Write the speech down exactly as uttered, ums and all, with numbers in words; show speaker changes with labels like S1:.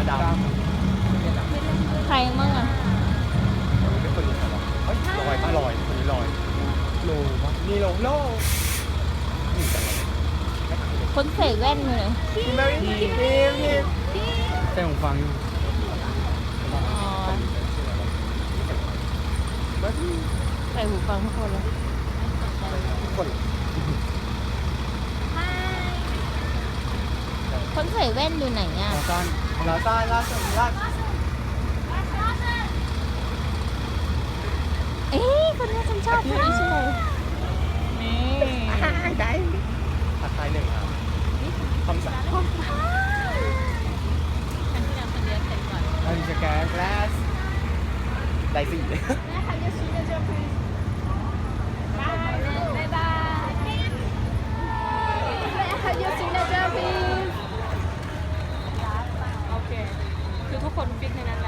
S1: ดาม
S2: ใครมั่งอ่ะ
S1: เป็นคนนี้เหรอเฮ้ยลอยปะลอยคนนี้ลอยโลปะนี่โลโลนี่จังเลย
S2: คนใส่แว่นอยู่เลย
S1: พี่แมรี่พี่พี่แต่ผมฟังอยู่
S2: อ๋อใส่หูฟังทุกคนเลย
S1: ทุกคน
S2: คนใส่แว่นอยู่ไหนอ่ะ
S1: ลาซานลาซานลาซานลา
S2: เอ๊ะคนนี้ฉันชอบคนนี้ใช่ไหมนี่
S1: ได้ผัดไทยหนึ่งครับคำสั่ง
S2: ฉันที่นั่งคนเดียวเสร็จก่อน
S1: อันนี้จะแก๊สแก๊สได้สี่
S2: บ๊ายบายโอเค คือทุกคนฟิกในนั้น